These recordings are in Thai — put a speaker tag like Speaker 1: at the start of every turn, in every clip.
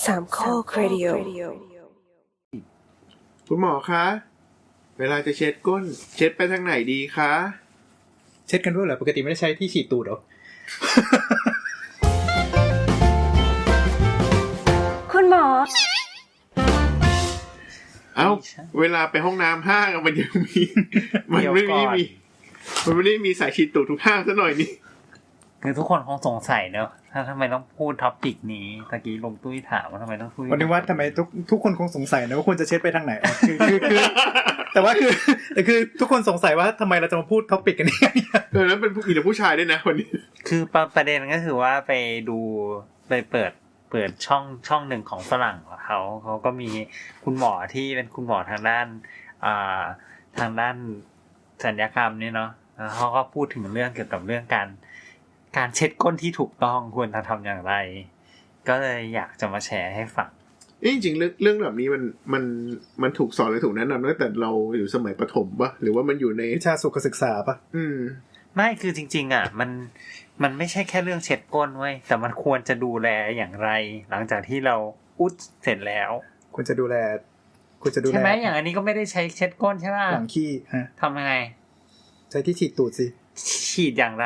Speaker 1: สามข้อครดิโอ
Speaker 2: คุณหมอคะเวลาจะเช็ดก้นเช็ดไปทางไหนดีคะ
Speaker 3: เช็ดกันด้วยเหรอปกติไม่ได้ใช้ที่ฉีดตูดหรอ
Speaker 1: คุณหมอ
Speaker 2: เอ้าเวลาไปห้องน้ำห้างมันยังมีมันไม่ได้มีสายฉีดตูดทุกห้างซะหน่อยนี่
Speaker 4: คือทุกคนคงสงสัยเนอะถ้าทำไมต้องพูดท็อปิกนี้ตะกี้ลงตุ้ยถามว่าทำไมต้องพูด
Speaker 3: วันนี้ว่าทำไมทุกคนคงสงสัยนะว่าควรจะเช็ดไปทางไหนคือแต่ว่าคือทุกคนสงสัยว่าทำไมเราจะมาพูดท็อปิกกันนี่
Speaker 2: แล้วเป็นผู้หญิงหรือผู้ชายด้วยนะวันนี้
Speaker 4: คือประเด็นก็คือว่าไปเปิดช่องหนึ่งของฝรั่งเขาก็มีคุณหมอที่เป็นคุณหมอทางด้านศัลยกรรมเนี่ยเนาะเขาก็พูดถึงเรื่องเกี่ยวกับเรื่องการเช็ดก้นที่ถูกต้องควรทำอย่างไรก็เลยอยากจะมาแชร์ให้ฟัง
Speaker 2: จริงๆเรื่องแบบนี้มันถูกสอนหรือถูกแนะนำตั้งแต่เราอยู่สมัยประถมปะหรือว่ามันอยู่ใน
Speaker 3: วิชาสุขศึกษาปะ
Speaker 4: ไม่คือจริงๆอ่ะมันไม่ใช่แค่เรื่องเช็ดก้นเว้ยแต่มันควรจะดูแลอย่างไรหลังจากที่เราอุดเสร็จแล้ว
Speaker 3: ควรจะดูแล
Speaker 4: ใช่ไหมอย่างอันนี้ก็ไม่ได้ใช้เช็ดก้นใช่ป่ะ
Speaker 3: หลังขี้ฮะ
Speaker 4: ทำยังไง
Speaker 3: ใช้ที่ฉีดตูดสิ
Speaker 4: ฉีดอย่างไร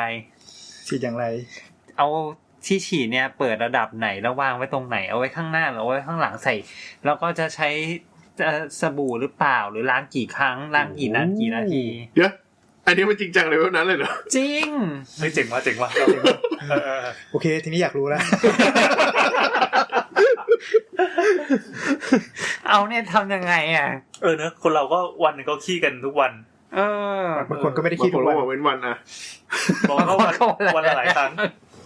Speaker 4: เอาที่ฉีดเนี่ยเปิดระดับไหนแล้ววางไว้ตรงไหนเอาไว้ข้างหน้าหรือเอาไว้ข้างหลังใส่แล้วก็จะใช้สบู่หรือเปล่าหรือล้างกี่ครั้งล้างกี่นาที
Speaker 2: เดี๋ยวอันนี้มันจริงจังเลยว่านั้นเลยเหรอ
Speaker 4: จริง
Speaker 5: เจ๋งว่ะ
Speaker 3: โอเคทีนี้อยากรู้แล้ว
Speaker 4: เอาเนี่ยทำยังไงอ่ะ
Speaker 5: เนอะคนเราก็วันนึงก็ขี้กันทุกวัน
Speaker 3: บางคนก็ไม่ได้ขี้ทุกวัน
Speaker 2: เว้นวันอ่ะ
Speaker 5: บอกเขาวันละหลายครั้ง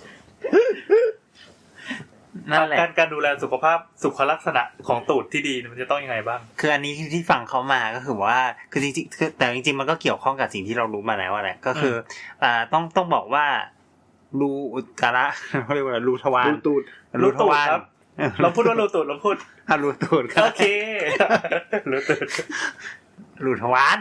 Speaker 4: นั่นแหละ
Speaker 5: การดูแลสุขภาพสุขลักษณะของตูดที่ดีมันจะต้องยังไงบ้าง
Speaker 4: คืออันนี้ที่ฟังเขามาก็คือว่าคือจริงๆแต่จริงๆมันก็เกี่ยวข้องกับสิ่งที่เรารู้มาแล้วแหละก็คือต้องบอกว่ารูอุจจาระเขาเรียกว่ารูทวาร
Speaker 5: รูทวารครับเราพูดว่ารูตูดเราพูด
Speaker 4: รูตูด
Speaker 5: โอเครูตูด
Speaker 4: รูทวาร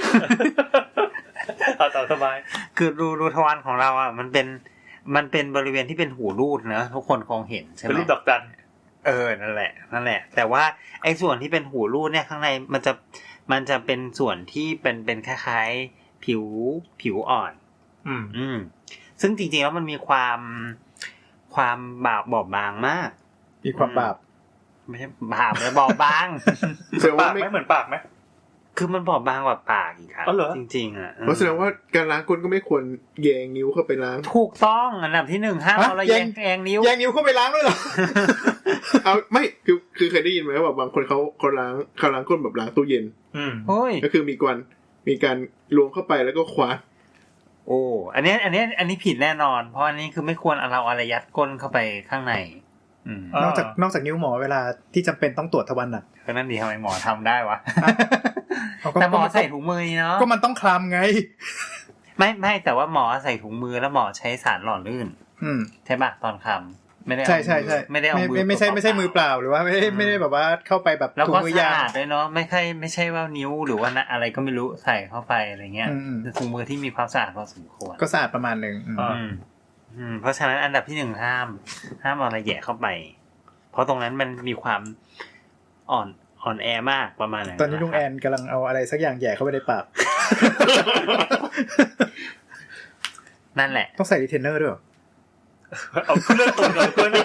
Speaker 5: ต่อสบาย
Speaker 4: คือรูทวารของเราอ่ะมันเป็นบริเวณที่เป็นหูรูดนะทุกคนคงเห็นใช่ไหม
Speaker 5: เป็นรูปดอกจัน
Speaker 4: นั่นแหละแต่ว่าไอ้ส่วนที่เป็นหูรูดเนี่ยข้างในมันจะเป็นส่วนที่เป็นคล้ายๆผิวอ่อนซึ่งจริงๆแล้วมันมีความบอบบางมาก
Speaker 3: มีความบาบ
Speaker 4: ไม่ใช่บาบเลยบอบบาง
Speaker 5: ปากไม่เหมือนปากไหม
Speaker 4: คือมันบอบบางกว่าปากอีกครับจริงๆอ่ะ
Speaker 2: เพราะแสดงว่าการล้างก้นก็ไม่ควรแยงนิ้วเข้าไปล้าง
Speaker 4: ถูกต้องอันดับที่1ห้ามเอาแยงนิ้ว
Speaker 3: เข้าไปล้างด้วยเหรอ
Speaker 2: เอาไม่คือเคยได้ยินไหมว่าบางคนเขาล้างก้นแบบล้างตู้เย็นก็คือมีการล้วงเข้าไปแล้วก็คว้า
Speaker 4: โอ้อันนี้ผิดแน่นอนเพราะอันนี้คือไม่ควรเอาอะไรยัดก้นเข้าไปข้างใน
Speaker 3: นอกจากนิ้วหมอเวลาที่จำเป็นต้องตรวจทวารหนัก
Speaker 4: ก็นั่นดีทำไมหมอทำได้วะแต่หมอใส่ถุงมือเนาะ
Speaker 3: ก็มันต้องคลำไง
Speaker 4: ไม่แต่ว่าหมอใส่ถุงมือแล้วหมอใช้สารหล่อลื่นใช่ป่ะตอนคำไม่ได้
Speaker 3: ใช่ไม่ได้เอามือไม่ใช่มือเปล่าหรือว่าไม่ได้แบบว่าเข้าไปแบบ
Speaker 4: ถุงมือยางด้วยเนาะไม่ใช่ว่านิ้วหรือว่าอะไรก็ไม่รู้ใส่เข้าไปอะไรเงี้ยถุงมือที่มีความสะอาดพอสมควร
Speaker 3: ก็สะอาดประมาณนึง
Speaker 4: เพราะฉะนั้นอันดับที่1ห้ามเอาอะไรแย่เข้าไปเพราะตรงนั้นมันมีความอ่อนแอมากประมาณนั้น
Speaker 3: ตอนนี้ลุงแอนกำลังเอาอะไรสักอย่างแย่เข้าไปในปาก
Speaker 4: นั่นแหละ
Speaker 3: ต้องใส่รีเทนเนอร์ด้วย
Speaker 5: เอาเรื่องตรงเลยเพื่อน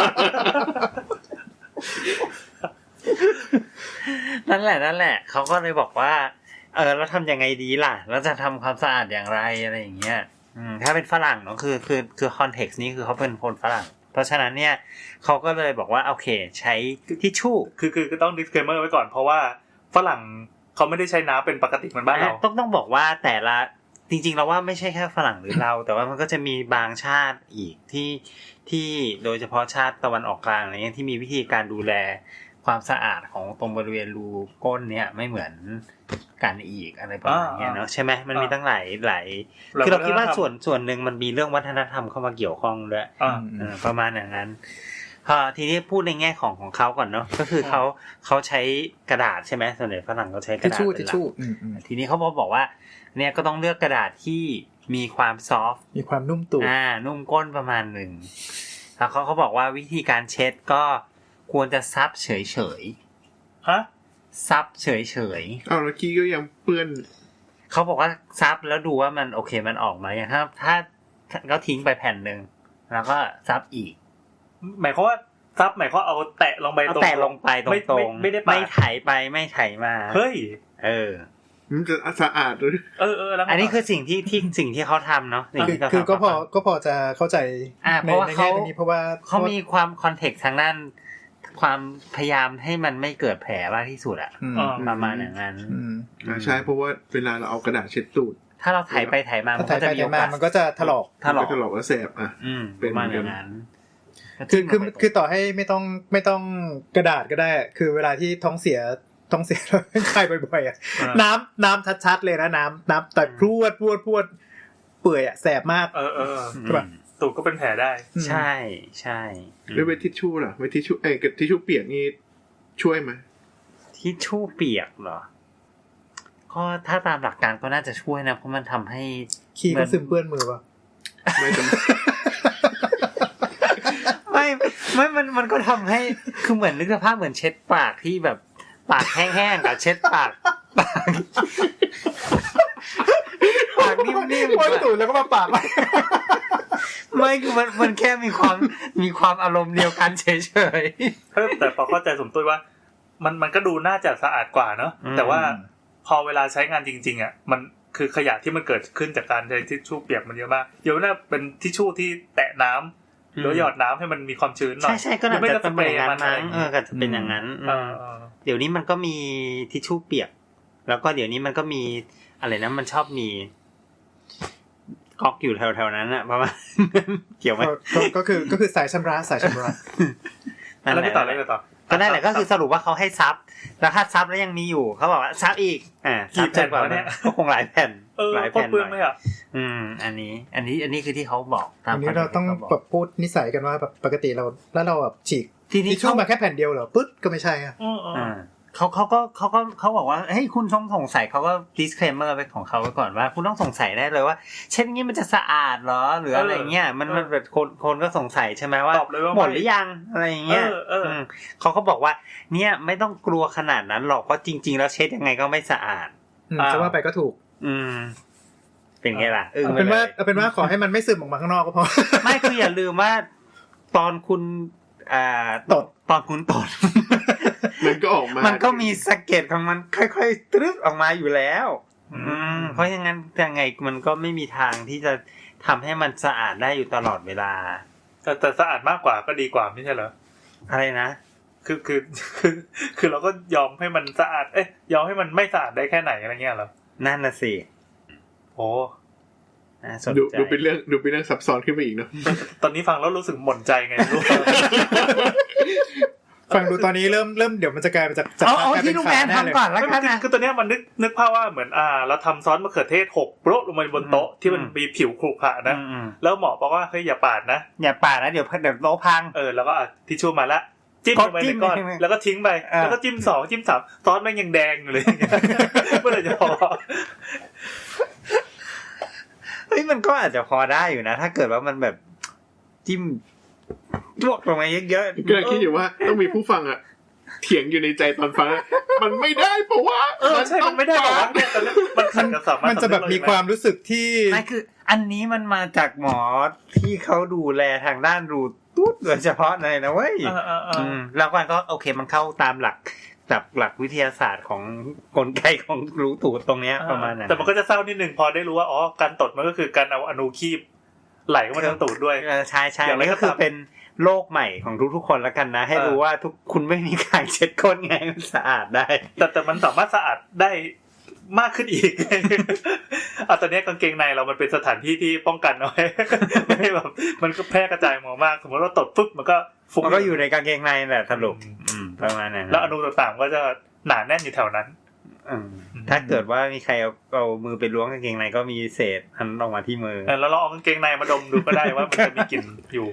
Speaker 4: นั่นแหละเขาก็เลยบอกว่าแล้วทำยังไงดีล่ะแล้วจะทำความสะอาดอย่างไรอะไรอย่างเงี้ยถ้าเป็นฝรั่งเนาะคือคอนเท็กซ์นี้คือเขาเป็นคนฝรั่งเพราะฉะนั้นเนี่ยเขาก็เลยบอกว่าโอเคใช้ทิชชู่
Speaker 5: คือต้อง disclaimer ไว้ก่อนเพราะว่าฝรั่งเขาไม่ได้ใช้น้ำเป็นปกติเหมือนบ้านเรา
Speaker 4: ต้องบอกว่าแต่ละจริงๆเราว่าไม่ใช่แค่ฝรั่งหรือเราแต่ว่ามันก็จะมีบางชาติอีกที่โดยเฉพาะชาติตะวันออกกลางอะไรเงี้ยที่มีวิธีการดูแลความสะอาดของตรงบริเวณรูก้นเนี่ยไม่เหมือนกันอีกอะไรประมาณนี้เนาะใช่ไหมมันมีตั้งหลายคือเราคิดว่าส่วนหนึ่งมันมีเรื่องวัฒนธรรมเข้ามาเกี่ยวข้องด้วยประมาณอย่างนั้นทีนี้พูดในแง่ของเขาก่อนเนาะก็คือเขาใช้กระดาษใช่ไหมส่วนใหญ่ฝรั่งเขาใช้กระดาษ
Speaker 3: ทิชชู่
Speaker 4: ทีนี้เขาบอกว่าเนี่ยก็ต้องเลือกกระดาษที่มีความซอฟต์
Speaker 3: มีความนุ่มตูด
Speaker 4: นุ่มก้นประมาณนึงแล้วเขาบอกว่าวิธีการเช็ดก็ควรจะซับเฉยๆ
Speaker 5: ฮะ
Speaker 4: ซับเฉย
Speaker 2: ๆแล้วขี้ก็ยังเปื้อน
Speaker 4: เขาบอกว่าซับแล้วดูว่ามันโอเคมันออกมาอย่างถ้าก็ทิ้งไปแผ่นนึงแล้วก็ซับอีก
Speaker 5: หมายความว่าซับหมายความเอาแตะลงไปตรง
Speaker 4: แตะลงไปตรง
Speaker 5: ไม่ได้
Speaker 4: ไม่ไถไปไม่ไถมา
Speaker 5: เฮ้ย
Speaker 2: มันจะสะอาดหรือ
Speaker 4: อันนี้คือสิ่งที่เขาทำเนาะ
Speaker 3: คือก็พอจะเข้าใจ
Speaker 4: เพราะว่าเขามีความคอนเทกต์ทางด้านความพยายามให้มันไม่เกิดแผลมากที่สุดอ่ะประมาณอย่างนั้น
Speaker 2: ใช่เพราะว่าเวลาเราเอากระดาษเช็ดตูด
Speaker 4: ถ้าเราไถไปไถมามันก็จะมีโอกาส
Speaker 3: มันก็จะถลอก
Speaker 2: แล้วแสบ
Speaker 4: เป็นประมาณอย่างนั้น
Speaker 3: คือต่อให้ไม่ต้องกระดาษก็ได้คือเวลาที่ท้องเสียแล้วคายบ่อยๆอ่ะน้ำชัดๆเลยนะน้ำแต่พรวดเปื่อยอ่ะแสบมาก
Speaker 5: ใช่ป่ะตูดก็เป็นแผลได้
Speaker 4: ใช่
Speaker 2: แล้วเวททิชชู่ล่ะเวททิชชู่ทิชชู่เปียกนี่ช่วยไหม
Speaker 4: ทิชชู่เปียกเหรอก็ถ้าตามหลักการก็น่าจะช่วยนะเพราะมันทำให้
Speaker 3: ขี้ก็ซึมเปื้อนมือป่ะ
Speaker 2: ไม่จำ
Speaker 4: ไม่มันก็ทำให้คือเหมือนนึกสภาพเหมือนเช็ดปากที่แบบปากแห้งๆกับเช็ดปากนิ่มๆ
Speaker 3: พ่นตูดแล้วก็มาปาก
Speaker 4: ไม่คือมันแค่มีความอารมณ์เดียวกันเฉย
Speaker 5: ๆแต่พอเข้าใจสมตุ้ยว่ามันก็ดูน่าจะสะอาดกว่าเนาะแต่ว่าพอเวลาใช้งานจริงๆอ่ะมันคือขยะที่มันเกิดขึ้นจากการใช้ทิชชู่เปียกมันเยอะมากเดี๋ยวน่าเป็นทิชชู่ที่แตะน้ำหรือหยอดน้ำให้มันมีความชื้นหน่อย
Speaker 4: ใช่ๆก็น่าจะเป็นอย่างนั้นก็จะเป็นอย่างนั้นเดี๋ยวนี้มันก็มีทิชชู่เปียกแล้วก็เดี๋ยวนี้มันก็มีอะไรนะมันชอบมีก๊อกอยู่แถวๆนั้นน่ะประมาณเกี่ยวมั้ย
Speaker 3: ก็คือสายชำระ
Speaker 5: แล้วไม่ต่อ
Speaker 4: ก็ได้แหละก็คือสรุปว่าเขาให้ซับแล้วถ้าซับแล้วยังมีอยู่เขาบอกว่าซับอีก
Speaker 5: กี่แผ่นกว่าเนี่ย
Speaker 4: ก็คงหลายแผ่น
Speaker 5: หลายแผ่นเลยอ่ะ
Speaker 4: อันนี้คือที่เขาบอก
Speaker 3: ตามอันนี้เราต้องแบบพูดนิสัยกันว่าแบบปกติเราแล้วเราแบบฉีกทิชชู่มาแค่แผ่นเดียวเหรอปึ๊ดก็ไม่ใช่อ่ะ
Speaker 4: เขาบอกว่าเฮ้ยคุณต้องสงสัยเขาก็ disclaimer ไปของเขาไว้ก่อนว่าคุณต้องสงสัยได้เลยว่าเช่นนี้มันจะสะอาดเหรอหรืออะไรเงี้ยมันแบบคนก็สงสัยใช่ไหมว่าหมดหรือยังอะไรเงี้ยเขาก็บอกว่าเนี่ยไม่ต้องกลัวขนาดนั้นหรอกเพราะจริงๆแล้วเช็ดยังไงก็ไม่สะอาด
Speaker 3: จะว่าไปก็ถูก
Speaker 4: เป็นไงล่ะ
Speaker 3: เป็นว่าขอให้มันไม่ซึมออกมาข้างนอกก็พอ
Speaker 4: ไม่คืออย่าลืมว่าตอนคุณตอนคุณตด
Speaker 2: มันก็ออกมา
Speaker 4: มันก็มีสะเก็ดของมันค่อยๆตรึกออกมาอยู่แล้วเพราะอย่างนั้นยังไงมันก็ไม่มีทางที่จะทำให้มันสะอาดได้อยู่ตลอดเวลา
Speaker 5: แต่สะอาดมากกว่าก็ดีกว่าไม่ใช่เหรอ
Speaker 4: อะไรนะ
Speaker 5: คือเราก็ยอมให้มันสะอาดยอมให้มันไม่สะอาดได้แค่ไหนอะไรเงี้ยเหรอ
Speaker 4: นั่นน่ะสิ
Speaker 5: โอ้
Speaker 2: ดูเป็นเรื่องซับซ้อนขึ้นไปอีกเนาะ
Speaker 5: ตอนนี้ฟังแล้วรู้สึกหม่นใจไงรู้
Speaker 3: ฟังดูตอนนี้เริ่มเดี๋ยวมันจะกลายเป็นจาก
Speaker 4: ที่ลูกแมนทำก่อนแล้วกัน
Speaker 5: คือตัวเนี้ยมันนึกภาพว่าเหมือนเราทำซอสมะเขือเทศ6โปะลงมาบนโต๊ะที่มันมีผิวขรุขระนะแล้วหมอบอกว่าเฮ้ยอย่าปาดนะ
Speaker 4: เดี๋ยวโต๊ะพัง
Speaker 5: แล้วก็ทิชชู่มาละจิ้มลงไปในก้อนแล้วก็ทิ้งไปแล้วก็จิ้ม2จิ้ม3ซอสมันยังแดงอยู่เลยเมื่อไหร่จะพอ
Speaker 4: เฮ้ยมันก็อาจจะพอได้อยู่นะถ้าเกิดว่ามันแบบจิ้มลวกลงมาเยอะ
Speaker 2: ๆก็คิดอยู่ว่าต้องมีผู้ฟังอ่ะเถียงอยู่ในใจตอนฟังมันไม่ได้เพราะว่า
Speaker 5: ใช่มันไม่ได้เพราะว่ามันขัดกับสามารถ
Speaker 3: มันจะแบบมีความรู้สึกที่
Speaker 4: ไม่คืออันนี้มันมาจากหมอที่เขาดูแลทางด้านรูตูดโดยเฉพาะเลยนะเว้ยแล้วมันก็โอเคมันเข้าตามหลักวิทยาศาสตร์ของกลไกของรูตูดตรงเนี้ยประมาณนั้น
Speaker 5: แต่มันก็จะเศร้านิดนึงพอได้รู้ว่าอ๋อการตดมันก็คือการเอาอนูคีบไหลเข้ามาทางตูดด้วย
Speaker 4: ใช่ๆอย่างนี้ก็คือเป็นโลกใหม่ของทุกๆคนแล้วกันนะให้รู้ว่าคุณไม่มีการเช็ดก้นไงมันสะอาดได้
Speaker 5: แต่มันสามารถสะอาดได้มากขึ้นอีกตอนนี้กางเกงในเรามันเป็นสถานที่ที่ป้องกันเอาไว้ไม่แบบมันก็แพร่กระจายหมอมากสมมติว่าตดปุ๊บมันก็
Speaker 4: ฟุ้งมันก็อยู่ในกางเกงในแหละสรุปประมาณนั้น
Speaker 5: แล้วอนูต่างๆก็จะหนาแน่นอยู่แถวนั้น
Speaker 4: ถ้าเกิดว่ามีใครเอามือไปล้วงกางเกงในก็มีเศษอันออกมาที่มือ
Speaker 5: แล้วเราเอากางเกงในมาดมดูก็ได้ว่ามันจะมีกลิ่นอยู่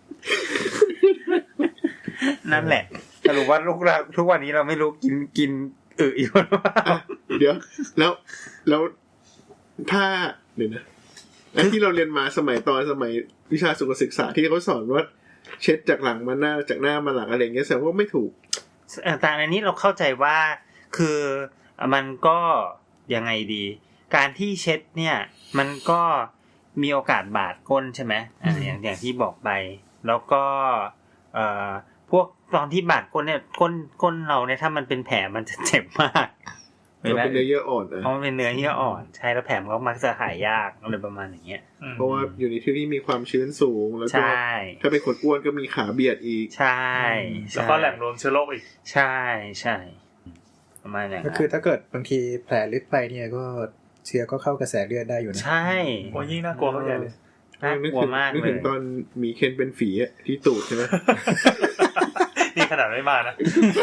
Speaker 4: นั่นแหละสรุปว่าทุกวันนี้เราไม่รู้กินอยู่หรือเปล่า
Speaker 2: เดี๋ยวแล้วถ้าเดี๋ยวนะที่เราเรียนมาสมัยวิชาสุขศึกษาที่เขาสอนว่าเช็ดจากหลังมาหน้าจากหน้ามาหลังอะไรอย่างเงี้ยแสดงว่าไม่ถูก
Speaker 4: แต่อันนี้เราเข้าใจว่าคือมันก็ยังไงดีการที่เช็ดเนี่ยมันก็มีโอกาสบาดก้นใช่ไหมอย่างที่บอกไปแล้วก็พวกตอนที่บาดก้นเนี่ยก้นเราเนี่ยถ้ามันเป็นแผลมันจะเจ็บมาก
Speaker 2: มันเป็นเนื้อเยื่ออ่อนนะ
Speaker 4: เพราะมันเป็นเนื้อเยื่ออ่อนใช่แล้วแผลมันก็มักจะหายยากอะไรประมาณอย่างเงี้ย
Speaker 2: เพราะว่าอยู่ในที่ที่มีความชื้นสูงแล้วก็ถ้าเป็นคนอ้วนก็มีขาเบียดอีก
Speaker 4: ใช่
Speaker 5: แล้วก็แหล่งรวมเชื้อโรคอีก
Speaker 4: ใช่ใช่ประมาณนั้น
Speaker 3: ก็คือถ้าเกิดบางทีแผลลึกไปเนี่ยก็เชื้อก็เข้ากระแสเลือดได้อยู่นะ
Speaker 4: ใช่
Speaker 5: โอ้ยิ่งน่ากลัวเข้าใหญ่เลย
Speaker 4: น่ากลัวมากเลย
Speaker 2: นึกถึงตอนมีเคนเป็นฝีอ่ะที่ตูดใช่ไหม
Speaker 5: นี่ขนาดไม่มานะ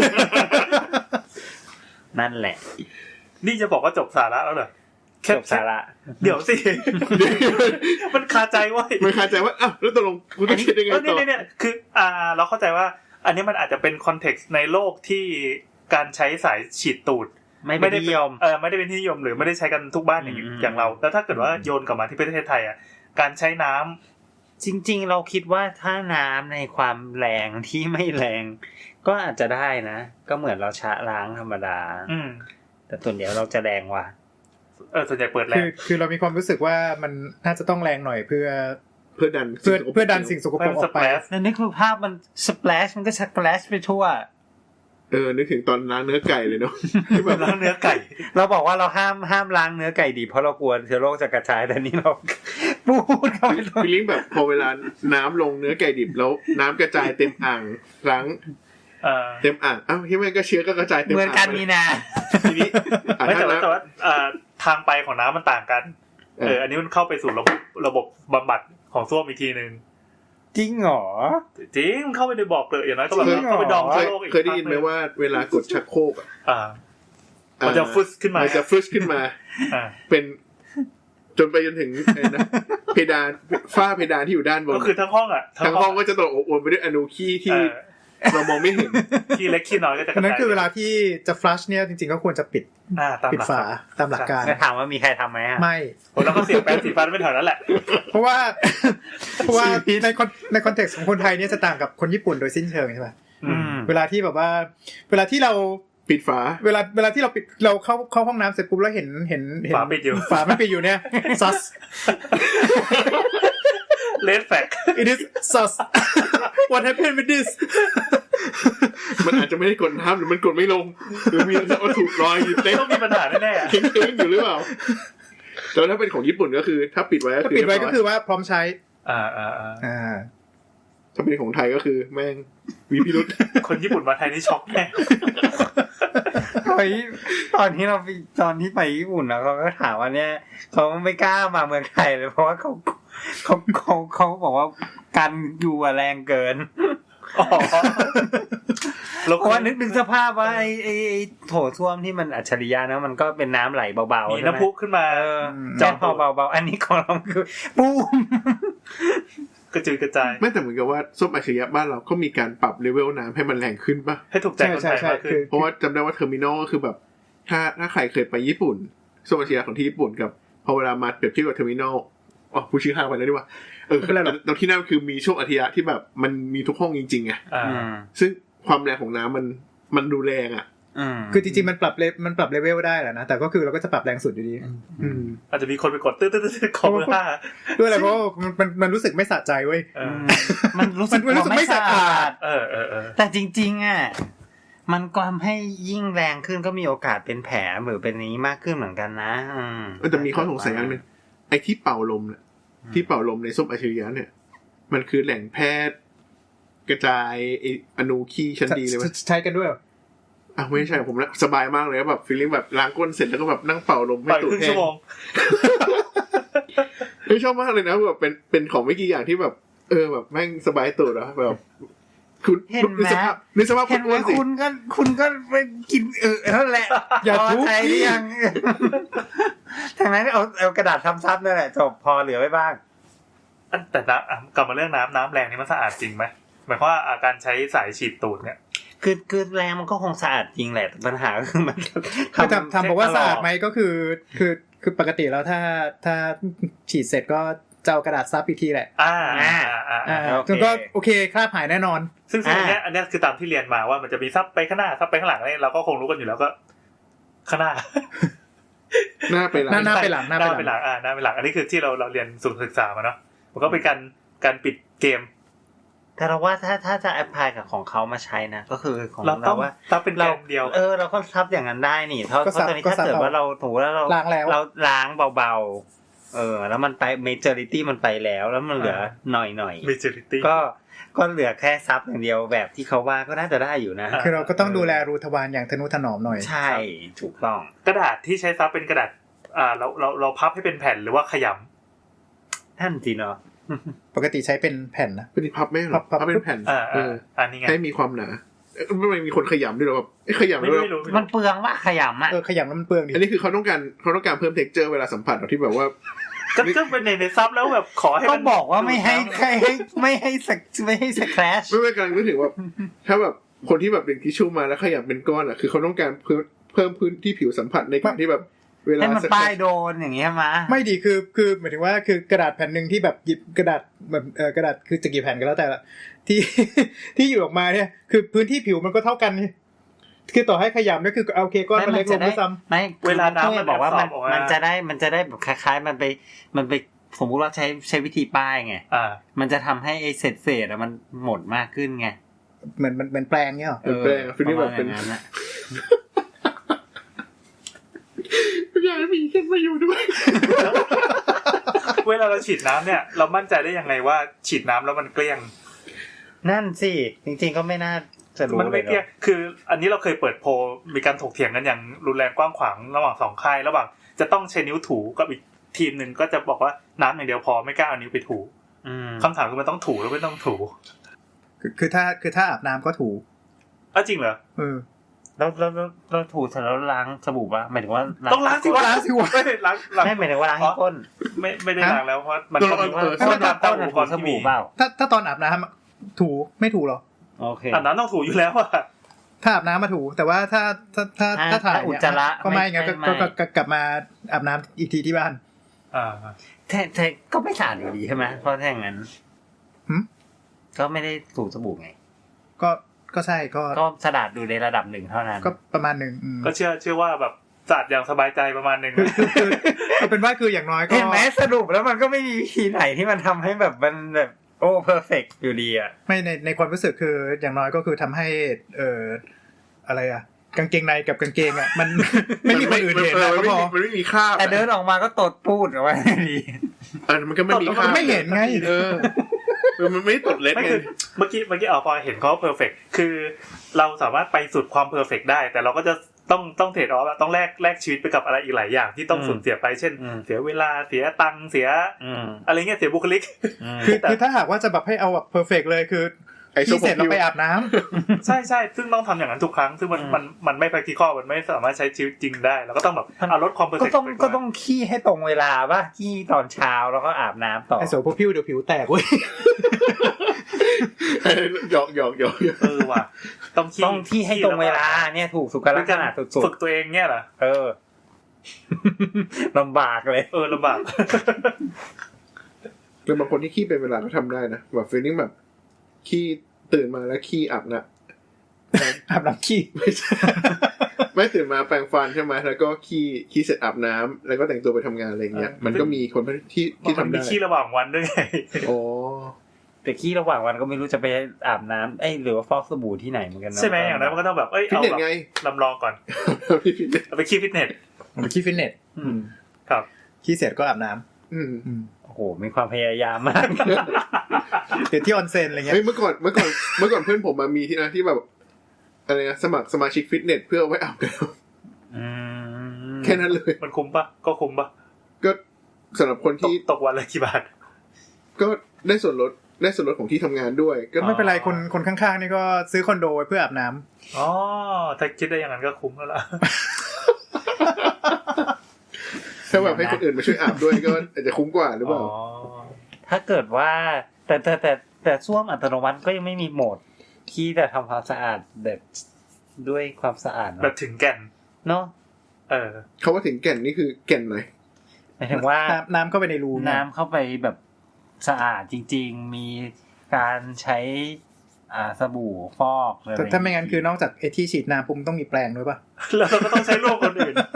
Speaker 4: นั่นแหละ
Speaker 5: นี่จะบอกว่าจบสาระแล้วเหรอ
Speaker 4: จบสาระ
Speaker 5: เดี๋ยวสิมันคาใจไว้
Speaker 2: มันคาใจว่าอ้าวแล้วตกลงกูต้องคิดยังไงต่อ
Speaker 5: เนี่ยคือเราเข้าใจว่าอันนี้มันอาจจะเป็นคอนเท็กซ์ในโลกที่การใช้สายฉีดตูด
Speaker 4: ไม่ได้นิยม
Speaker 5: ไม่ได้เป็นที่นิยมหรือไม่ได้ใช้กันทุกบ้านอย่างเราแล้วถ้าเกิดว่าโยนกลับมาที่ประเทศไทยอ่ะการใช้น้
Speaker 4: ำจริงๆเราคิดว่าถ้าน้ำในความแรงที่ไม่แรงก็อาจจะได้นะก็เหมือนเราชะล้างธรรมดาแต่ส่วนใหญ่เราจะแรงว่ะ
Speaker 5: ส่วนใหญ่เปิดแรง
Speaker 3: คือเรามีความรู้สึกว่ามันน่าจะต้องแรงหน่อยเพื่อ
Speaker 2: ดัน
Speaker 3: สิ่งสกปรกออกไป
Speaker 4: นั่นนี่คือภาพมันสเปลชมันก็สเปลชไปทั่ว
Speaker 2: นึกถึงตอนล้างเนื้อไก่เลยเนาะ
Speaker 5: แบบล้างเนื้อไก่
Speaker 4: เราบอกว่าเราห้ามล้างเนื้อไก่ดิบเพราะเรากลัวเชื้อโรคจะกระจายแต่นี่เราพูดเข้าไป
Speaker 2: ฟีลลิ่งแบบพอเวลาน้ำลงเนื้อไก่ดิบแล้วน้ำกระจายเต็มอ่างล้างเต็มอ่างที่มันก็เชื้อก็กระจายเต็มอ่าง
Speaker 4: เหมือนกันนี่นะ
Speaker 2: ทีนี้
Speaker 5: ไม่แต่ว่าทางไปของน้ำมันต่างกันอันนี้มันเข้าไปสู่ระบบบำบัดของส้วมอีกทีนึง
Speaker 4: จริงเหรอ
Speaker 5: จริงเข้าไปในบ่อเกลืออย่างน้อยก็แบบเข้าไปดองเชื้อโรคอีก
Speaker 2: เคยได้ยินไหมว่าเวลากดชักโครก
Speaker 5: มันจะฟึสขึ้นมา
Speaker 2: มันจะฟึสขึ้นมาเป็นจนไปจนถึงเพดานฝ้าเพดานที่อยู่ด้านบน
Speaker 5: ก็คือทั้งห้อง
Speaker 2: ทั้งห้องก็จะตกอบอวลไปด้วยอนูขี้ที่เรามองไม่เห็น
Speaker 5: ขี้เล็กขี้น้อยก็จะ
Speaker 3: นั่นคือเวลาที่จะฟลัชเนี่ยจริงๆก็ควรจะปิดฝาตามหลักการ
Speaker 4: ถามว่ามีใครทำไหม
Speaker 3: ไม่
Speaker 5: แล้วก็เสียบแปรงสีฟันไม่แถวนั้นแหละ
Speaker 3: เพราะว่าในคอนเท็กซ์ของคนไทยเนี่ยจะต่างกับคนญี่ปุ่นโดยสิ้นเชิงใช่ไหมเวลาที่แบบว่าเวลาที่เรา
Speaker 2: ปิดฝา
Speaker 3: เวลาที่เราปิดเราเข้าห้องน้ำเสร็จปุ๊บแล้วเห็น
Speaker 5: ฝาปิดอยู่
Speaker 3: ฝาไม่ปิดอยู่เนี่ยซัส
Speaker 5: Red flag
Speaker 3: it is sus what happened with this
Speaker 2: มันอาจจะไม่ได้กดน้ำหรือมันกดไม่ลงหรือมีวัตถุลอยอยู่เต็ม
Speaker 5: ต้องมีปัญหาแน่
Speaker 2: ๆเค้งๆอยู่หรือเปล่าแต่ถ้าเป็นของญี่ปุ่นก็คือถ้าปิดไว้
Speaker 3: ก็คือว่าพร้อมใช้
Speaker 2: ถ้าเป็นของไทยก็คือแม่งมีพิรุธ
Speaker 5: คนญี่ปุ่นมาไทยนี่ช็อกแน่
Speaker 4: ตอนที่ไปญี่ปุ่นนะเขาก็ถามว่าเนี่ยเขาไม่กล้ามาเมืองไทยเลยเพราะว่าเขาบอกว่ากันอยู่แรงเกินแล้วก็นึกสภาพว่าไอ้โถส้วมที่มันอัจฉริยะนะมันก็เป็นน้ำไหลเบาๆ
Speaker 5: มีน้ำพุขึ้นมา
Speaker 4: จับพอเบาๆอันนี้ของเราคือปุ้ม
Speaker 5: กระจุยกระจาย
Speaker 2: ไม่แต่เหมือนกับว่าส้มอัจฉริยะบ้านเราก็มีการปรับเลเวลน้ำให้มันแรงขึ้นป่ะ
Speaker 5: ให้ถูกใจคนไทยมากขึ้น
Speaker 2: เพราะว่าจำได้ว่าเทอร์มินอลก็คือแบบถ้าใครเคยไปญี่ปุ่นส้มอัจฉริยะของที่ญี่ปุ่นกับพอเวลามาเปรียบเทียบกับเทอร์มินอลผู้ชื่อห้างไปแล้วดีกว่าตอนที่นั่นคือมีช่วงอัจฉริยะที่แบบมันมีทุกห้องจริงๆไงซึ่งความแรงของน้ำมันดูแรง
Speaker 3: คือจริงๆมันปรับเลเวลได้แหละนะแต่ก็คือเราก็จะปรับแรงสุดอยู่ดี
Speaker 5: อาจจะมีคนไปกดตื้อๆของว่า
Speaker 3: ด้วยอะไรเพราะมันรู้สึกไม่สะใจเว้ย
Speaker 4: มันรู้สึก
Speaker 3: ไม่สะอาด
Speaker 4: แต่จริงๆมันก็ทำให้ยิ่งแรงขึ้นก็มีโอกาสเป็นแผลหรือเป็นนี้มากขึ้นเหมือนกันนะ
Speaker 2: แต่มีข้อสงสัยอย่างนึงไอ้ที่เป่าลมเนี่ยที่เป่าลมในส้มอัจฉริยะเนี่ยมันคือแหล่งแพทย์กระจายอนูขี้ชั้นดีเลยมั้ย
Speaker 3: ใช้กันด้วย
Speaker 2: ไม่ใช่ผมนะสบายมากเลยแบบฟีลลิ่งแบบล้างก้นเสร็จแล้วก็แบบนั่งเป่าลมให้ตูดแห้งไม่ชอบมากเลยนะแบบเป็นของไม่กี่อย่างที่แบบแบบแม่งสบายตูดอะแบบคุณ
Speaker 4: ในสภาพคุณก็ไปกินนั่นแหละ
Speaker 3: อย่าทุกข์
Speaker 4: ยังทางนั้นเอากระดาษทำซับนั่นแหละจบพอเหลือไว้บ้าง
Speaker 5: แต่กลับมาเรื่องน้ำแรงนี่มันสะอาดจริงไหมหมายความว่าการใช้สายฉีดตูดเนี่ย
Speaker 4: คือแรงมันก็คงสะอาดจริงแหละปัญหาก็คือมัน
Speaker 3: ทำบอกว่าสะอาดไหมก็คือปกติแล้วถ้าฉีดเสร็จก็จะเอากระดาษซับอีกทีแหละแล้วก็โอเคคราบหายแน่นอน
Speaker 5: ซึ่งอันเนี้ยคือตามที่เรียนมาว่ามันจะมีซับไปข้างหน้าซับไปข้างหลังนี่เราก็คงรู้กันอยู่แล้วก็ข้างหน้า
Speaker 2: หน้าไปหลัง
Speaker 3: หน้าไปหลัง
Speaker 5: หน้าไปหลังหน้าไปหลังอันนี้คือที่เราเรียนศึกษามาเนาะมันก็เป็นการปิดเกม
Speaker 4: แต่เราว่าถ้าจะแอพพลายกับของเขามาใช้นะก็คือของเราว่า
Speaker 5: ซับเป็นแกนเดียว
Speaker 4: เราก็ซับอย่างนั้นได้นี่เพราะตอนนี้ถ้าเกิดว่าเราถูกแล้วเราล้างเบาๆแล้วมันไป majority มันไปแล้วมันเหลือหน่อย
Speaker 5: majority
Speaker 4: ก็เหลือแค่ซับอย่างเดียวแบบที่เขาว่าก็น่าจะได้อยู่นะ
Speaker 3: คือเราก็ต้องดูแลรูทวารอย่างทนุถนอมหน่อย
Speaker 4: ใช่ถูกต้อง
Speaker 5: กระดาษที่ใช้ซับเป็นกระดาษเราพับให้เป็นแผ่นหรือว่าขยำ
Speaker 4: ท่านจริงเนาะ
Speaker 3: ปกติใช้เป็นแผ่นนะ
Speaker 2: เป็นพับไม่หรอพับเป็นแผ่น
Speaker 5: อันนี้ไง
Speaker 2: ให้มีความหนาไม่มีคนขยำด้วยหรอแบบขยำด้วย
Speaker 4: มันเปลืองว่าขยำ
Speaker 3: ขยำแล้วมันเปลืองดิ
Speaker 2: อันนี้คือเขาต้องการเพิ่ม texture เวลาสัมผัสที่แบบว่า
Speaker 5: ก็เป็นในซับแล้วแบบขอให้
Speaker 4: ต้องบอกว่าไม่ให้สแครช
Speaker 2: ไม่กำลังนึกถึงว่าถ้าแบบคนที่แบบเป็นทิชชู่มาแล้วขยำเป็นก้อนคือเขาต้องการเพิ่มพื้นที่ผิวสัมผัสในการที่แบบเวลา
Speaker 4: ให้มันป้ายโดนอย่างเงี้ยมา
Speaker 3: ไม่ดีคือหมายถึงว่าคือกระดาษแผ่นนึงที่แบบหยิบกระดาษแบบกระดาษคือจะกี่แผ่นก็แล้วแต่ละที่อยู่ออกมาเนี่ยคือพื้นที่ผิวมันก็เท่ากันนี่คือต่อให้ขยำนี่คือโอเคก้อนมันเล็กลงด้วยซ้ำ
Speaker 4: ไม่เวลาน้ำมันบอกว่ามันจะได้แบบคล้ายๆมันไปสมมุติว่าใช้วิธีป้ายไงมันจะทำให้ไอ้เศษมันหมดมากขึ้นไง
Speaker 3: เหมือนแปลงเงี้ยหรอ
Speaker 2: แปลงคือนี่แบบเป็นอยากมีขึ้นมาอยู่ด้วย
Speaker 5: เวลาเราฉีดน้ำเนี่ยเรามั่นใจได้ยังไงว่าฉีดน้ำแล้วมันเกลี้ยง
Speaker 4: นั่นสิจริงๆก็ไม่น่าจะรู้
Speaker 5: มันไม่เกลี้ยงคืออันนี้เราเคยเปิดโพลมีการถกเถียงกันอย่างรุนแรงกว้างขวางระหว่าง2ค่ายระหว่างจะต้องใช้นิ้วถูกับอีกทีมนึงก็จะบอกว่าน้ำอย่างเดียวพอไม่กล้าเอานิ้วไปถูคำถามคือมันต้องถูหรือไม่ต้องถู
Speaker 3: คือถ้าอาบน้ำก็ถู
Speaker 5: จริงเหรอ
Speaker 4: เราถูเสร็จแล้วล้างสบู่ป่ะหมายถึงว่า
Speaker 5: ต้องล้างสิวะไม่ได้ล้าง
Speaker 4: ไม่หมายถึงว่าล้างที่ก้น
Speaker 5: ไม่ได้ล้างแล้วเพราะมันก็มี
Speaker 4: ก้นถูสบู่เปล่า
Speaker 3: ถ้าตอนอาบน้ำถูไม่ถูหรอ
Speaker 4: โอเค
Speaker 5: อาบน้ำต้องถูอยู่แล้วอะ
Speaker 3: ถ้าอาบน้ำมาถูแต่ว่าถ้าถ่าย
Speaker 4: อุจจาระ
Speaker 3: ก็ไม่งั้นก็กลับมาอาบน้ำอีกทีที่บ้าน
Speaker 4: แต่ก็ไม่สะอาดอยู่ดีใช่ไหมเพราะถ้าอย่างนั้นก็ไม่ได้ถูสบู่ไง
Speaker 3: ก็ใช่
Speaker 4: ก็สะอาดดูในระดับหนึ่งเท่านั้น
Speaker 3: ก็ประมาณหนึ่ง
Speaker 5: ก็เชื่อว่าแบบสะอาดอย่างสบายใจประมาณหนึ่ง
Speaker 3: คือเป็นว่าคืออย่างน้อยก็
Speaker 4: เห็นไหมสรุปแล้วมันก็ไม่มีวิธีไหนที่มันทำให้แบบมันแบบโอ้เพอร์เฟกต์อยู่ดีอ่ะ
Speaker 3: ไม่ในความรู้สึกคืออย่างน้อยก็คือทำให้อะไรอ่ะกางเกงในกับกางเกงอ่ะมันไม่มีคนอื่นเห็นนะก็พอ
Speaker 2: มันไม่มีคราบ
Speaker 4: แต่เดินออกมาก็ตดพูดออกมาดี
Speaker 2: มันก็ไม่มีคราบ
Speaker 3: ไม่เห็นไง
Speaker 2: มันไม่ตดเล็ดไง
Speaker 5: เมื่อกี้พอเห็นเขาเพอร์เฟกต์คือเราสามารถไปสุดความเพอร์เฟกต์ได้แต่เราก็จะต้องเทรดออฟต้องแลกชีวิตไปกับอะไรอีกหลายอย่างที่ต้องสูญเสียไปเช่นเสียเวลาเสียตังค์เสียอะไรเงี้ยเสียบุคลิก
Speaker 3: คือถ้าหากว่าจะแบบให้เอาแบบเพอร์เฟกต์เลยคือที่เสร็จเราไปอาบน้
Speaker 5: ำใช่ซึ่งต้องทำอย่างนั้นทุกครั้งซึ่งมันไม่ practical มันไม่สามารถใช้ชีวิตจริงได้เราก็ต้องแบบลดความเพอร์เฟกต์
Speaker 4: ก็ต้องขี้ให้ตรงเวลาป่ะขี้ตอนเช้าแล้วก็อาบน้ำต่อ
Speaker 3: ไอ้โสพวกผิวเดี๋ยวผิวแตกเว้ย
Speaker 2: หยอก
Speaker 5: ว่ะ
Speaker 4: ต้องขี้ให้ตรงเวลาเนี่ยถูกสุขลักษณะสุด
Speaker 5: ๆฝึกตัวเองเนี่ยเหรอ
Speaker 4: ลำบากเลย
Speaker 5: ลำบาก
Speaker 2: แล้วบางคนที่ขี้เป็นเวลาก็ทำได้นะแบบฟีลลิ่งแบบขี้ตื่นมาแล้วขี้อาบน้
Speaker 3: ำขี้
Speaker 2: ไม่ตื่นมาแปรงฟันใช่ไหมแล้วก็ขี้เสร็จอาบน้ำแล้วก็แต่งตัวไปทำงานอะไรเงี้ยมันก็มีคนที่ทำได้
Speaker 5: มีขี้ระหว่างวันด้วยไง
Speaker 4: แต่ขี้ระหว่างวันก็ไม่รู้จะไปอาบน้ำหรือว่าฟอกสบู่ที่ไหนเหมือนกันนะ
Speaker 5: ใช่ไหมอย่างนั้นมันก็ต้องแบบ
Speaker 2: เอาแบบ
Speaker 5: ลำลองก่อนเอาไปขี้ฟิตเนส
Speaker 3: ครับขี้เสร็จก็อาบน้
Speaker 4: ำโอ้โหมีความพยายามมาก
Speaker 3: เดี๋ยวที่ออนเซ็นอะไรเงี้ย
Speaker 2: เมื่อก่อนเพื่อนผมมามีที่นะที่แบบอะไรนะสมัครสมาชิกฟิตเนสเพื่อไว้อาบน้ำแค่นั้นเลย
Speaker 5: มันคุ้มปะก็คุ้มปะ
Speaker 2: ก็สำหรับคนที่
Speaker 5: ตกวันละกี่บาท
Speaker 2: ก็ได้ส่วนลดของที่ทำงานด้วย
Speaker 3: ก็ไม่เป็นไรคนข้างๆนี่ก็ซื้อคอนโดไว้เพื่ออาบน้
Speaker 5: ำถ้าคิดได้อย่างนั้นก็คุ้มแล้วล่ะ
Speaker 2: ถ้าแบบให้คนอื่นมาช่วยอาบด้วยก็อาจจะคุ้มกว่าหรือเปล่า
Speaker 4: ถ้าเกิดว่าแต่ส้วมอัตโนมัติก็ยังไม่มีโหมดที่จะทำความสะอาดแบบด้วยความสะอาด
Speaker 5: แบบถึงแก่น
Speaker 4: เนาะ
Speaker 2: เขาว่าถึงแก่นนี่คือแก่นไหน
Speaker 4: หมายถึงว่า
Speaker 3: น้ำเข้าไปในรู
Speaker 4: น้ำเข้าไปแบบสะอาดจริงๆมีการใช้สบู่ฟอกอะไร
Speaker 3: ถ้าไม่งั้นคือนอกจากไอ้ที่ฉีดน้ำปุ๊บต้องมีแปรงด้วยป่ะ
Speaker 5: แล้วเราก็ต้องใช้ร่วมคนอื่น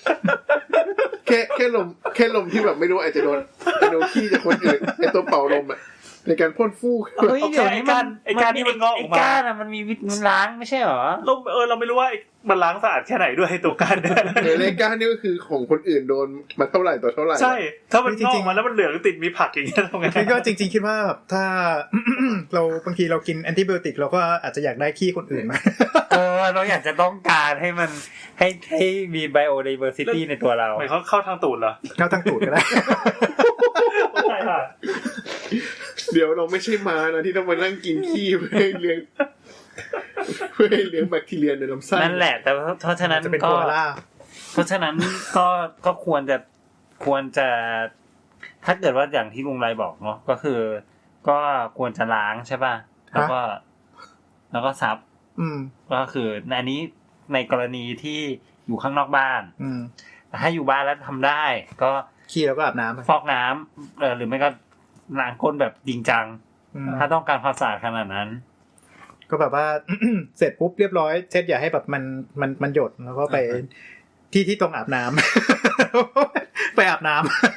Speaker 2: แค่ลมที่แบบไม่รู้อาจจะโดนขี้จากคนอื่นไอตัวเป่าลมอ่ะในการพ่นฟูก
Speaker 4: เฮ้ยเดี๋ยวนี้
Speaker 5: ไอ้ก้านที่มันงอกออกมา
Speaker 4: ไอ้ก้านมันมีมันล้างไม่ใช่หรอ
Speaker 5: เราไม่รู้ว่ามันล้างสะอาดแค่ไหนด้วยตัวก้านเนี่ย
Speaker 2: เลก้านี่ก็คือของคนอื่นโดนมาเท่าไหร่ต่อเท่าไหร่
Speaker 5: ใช่ถ้ามันงอกมาแล้วมันเหลืองติดมีผักอย่างเงี้ยทำไง
Speaker 3: คือก็จริงๆคิดว่าแบบถ้า เราบางทีเรากินแอนติไบโอติกเราก็อาจจะอยากได้ขี้คนอื่นมา
Speaker 4: เราอยากจะต้องการให้มันให้มี biodiversity ในตัวเรา
Speaker 5: หมายเขาเข้าทางตูดเหรอ
Speaker 3: เข้าทางตูดก็ได้
Speaker 5: ใช่ค่ะ
Speaker 2: เดี๋ยวเราไม่ใช่ม้านะที่ต้องมานั่งกินขี้เพื่อให้เลี้ยงแบคทีเรียในลำไส้
Speaker 4: นั่นแหละแต่เพราะฉะนั้น
Speaker 3: จะเป็น
Speaker 4: ก็
Speaker 3: โคอาล่า
Speaker 4: เพราะฉะนั้นก็ควรจะถ้าเกิดว่าอย่างที่ลุงไรบอกเนาะก็คือก็ควรจะล้างใช่ป่ะแล้วก็ซับก็คืออันนี้ในกรณีที่อยู่ข้างนอกบ้านแต่ถ้าอยู่บ้านแล้วทำได้ก็
Speaker 3: ขี้แล้วก็อาบน้ำ
Speaker 4: ฟอกน้ำหรือไม่ก็ล้างก้นแบบจริงจังถ้าต้องการความสะอาดขนาดนั้น
Speaker 3: ก็แบบว่า เสร็จปุ๊บเรียบร้อยเช็ดอย่าให้แบบมันหยดแล้วก็ไปที่ตรงอาบน้ำ ไปอาบน้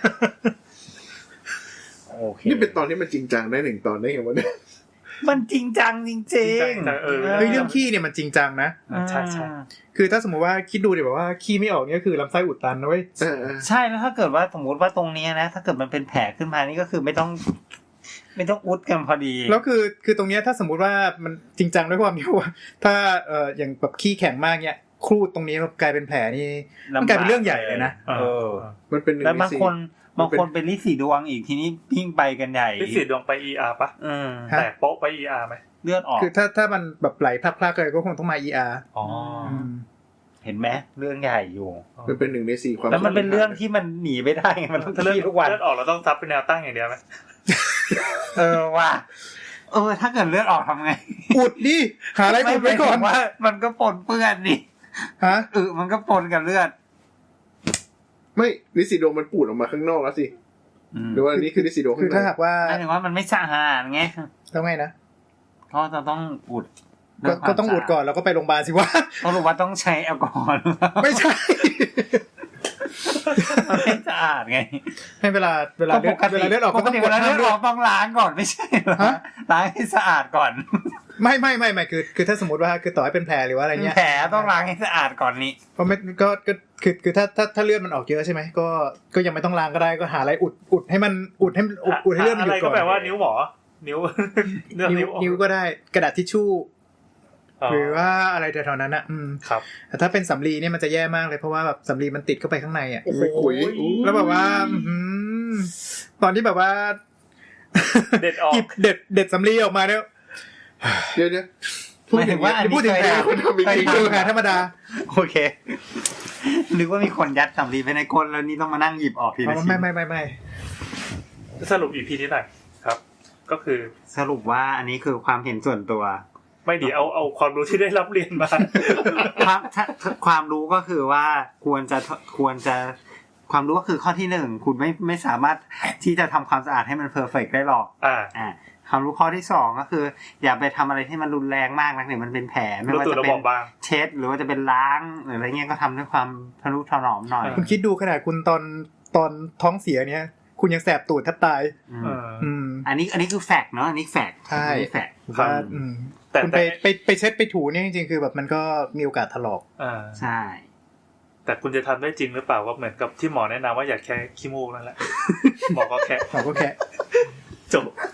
Speaker 4: ำโอเค
Speaker 2: นี่เป็นตอนที่มันจริงจังได้หนึ่งตอนได้ไงวะเนี่ย
Speaker 4: มันจริงจังจริง
Speaker 3: เรื่องขี้เนี่ยมันจริงจังนะ
Speaker 5: ใช่ใช่
Speaker 3: คือถ้าสมมติว่าคิดดูดิแบบว่าขี้ไม่ออกเนี่ยคือลำไส้อุดตันนะเว้ย
Speaker 4: ใช่แล้วถ้าเกิดว่าสมมติว่าตรงนี้นะถ้าเกิดมันเป็นแผลขึ้นมานี่ก็คือไม่ต้องอุดกันพอดี
Speaker 3: แล้วคือตรงเนี้ยถ้าสมมุติว่ามันจริงจังด้วยความที่ว่าถ้าอย่างแบบขี้แข็งมากเนี่ยครูดตรงนี้กลายเป็นแผลนี่มันกลายเป็นเรื่องใหญ่เลยนะ
Speaker 2: มันเป็น
Speaker 4: แล้วบางคนเป็นลิสีดวงอีกทีนี้ยิ่งไปกันใหญ่
Speaker 5: ลิสีดวงไป ER ป่ะแต่โป๊ะไป ER มั้ย
Speaker 4: เลือดออก
Speaker 3: คือถ้ามันแบบไหลพลักๆเลยก็คงต้องมา ER
Speaker 4: เห็นไหมเรื่องใหญ่อยู่
Speaker 2: มันเป็น1 ใน 4ความ
Speaker 4: แล้วมันเป็นเรื่องที่มันหนีไม่ได้ไงมันต้องขี้ทุกวัน
Speaker 5: เลือดออกเราต้องซับเป็นแนวตั้งอย่างเดียวมั้ย
Speaker 4: ว่าถ้าเกิดเลือดออกทำไง
Speaker 3: อุดดิหาอะไรอุดไว้ก่อน
Speaker 4: ว่ามันก็ปนเปื้อนดิ
Speaker 3: ฮะ
Speaker 4: มันก็ปนกับเลือด
Speaker 2: ไม่ลิซิโดมันปูดออกมาข้างนอกแล้วสิหรือว่านี่คือลิซิโด
Speaker 3: คือถ้าหากว่า
Speaker 4: หมายถึงว่ามันไม่สะอาดไง
Speaker 3: แล้วไงนะ
Speaker 4: ก็จะต้องอุด
Speaker 3: ก็ต้องอุดก่อนแล้วก็ไปโรงพยาบาลสิวะ
Speaker 4: ต้องรู้ว่าต้องใช้แอลกอฮอล์
Speaker 3: ไม่ใช่
Speaker 4: ไม่สะอาดไง
Speaker 3: ให้เวลาเลือดออกก็ต้อง
Speaker 4: เวลาเลือดออกต้องล้างก่อนไม่ใช่เหรอล้างให้สะอาดก่อน
Speaker 3: ไม่คือถ้าสมมติว่าคือต่อให้เป็นแผลหรือว่าอะไรเงี้ย
Speaker 4: แผลต้องล้างให้สะอาดก่อนนี่
Speaker 3: เพราะไม่ก็คือถ้าเลือดมันออกเยอะใช่ไหมก็ยังไม่ต้องล้างก็ได้ก็หาอะไรอุดให้มันอุดให้เลือดมันหยุดก่อน
Speaker 5: อะไรก็แปลว่านิ้วหมอ
Speaker 3: นิ้วก็ได้กระดาษทิชชู่หรือว่าอะไรแถวๆนั้น
Speaker 5: ครับ
Speaker 3: แต่ถ้าเป็นสำลีเนี่ยมันจะแย่มากเลยเพราะว่าแบบสำลีมันติดเข้าไปข้างในอ่ะ
Speaker 2: โอ้โห
Speaker 3: แล้วแบบว่าตอนที่แบบว่า
Speaker 5: เด็ดออก
Speaker 3: เด็ดสำลีออกมาเนี่ย
Speaker 2: เดี๋ยว
Speaker 4: พูดถึงว่า
Speaker 3: พูดถึงแผลธรรมดา
Speaker 4: โอเคนึกว่ามีคนยัดสำลีไปในก้นแล้วนี่ต้องมานั่งหยิบออกทีละชิ้น
Speaker 3: ไม่
Speaker 5: สรุป EP นี้หน่อยครับก็คือ
Speaker 4: สรุปว่าอันนี้คือความเห็นส่วนตัว
Speaker 5: ไม่ดีเอาความรู้ที่ได้รับเรียนมา
Speaker 4: ความรู้ก็คือว่าควรจะความรู้ก็คือข้อที่1คุณไม่สามารถที่จะทำความสะอาดให้มันเพอร์เฟคได้หรอกความรู้ข้อที่2ก็คืออย่าไปทำอะไรที่มันรุนแรงมากนักเนี่ยมันเป็นแผลไม่ว่าจะเป็นเช็ดหรือว่าจะเป็นล้างหรืออะไรเงี้ยก็ทำด้วยความทนุถนอมหน่อย
Speaker 3: คุณคิดดูขนาดคุณตอนท้องเสียเนี่ยคุณยังแสบตูดแทบตาย
Speaker 4: อันนี้คือแฟกต์เนาะอันนี้แฟกต์
Speaker 3: ใช่
Speaker 4: แฟกต์
Speaker 3: คุณไปเช็ดไปถูเนี่ยจริงๆคือแบบมันก็มีโอกาสถลอก
Speaker 4: ใช่
Speaker 5: แต่คุณจะทำได้จริงหรือเปล่าก็เหมือนกับที่หมอแนะนำว่าอย่าแค่ขี้มูกนั่นแหละหมอก็แค่
Speaker 3: จบ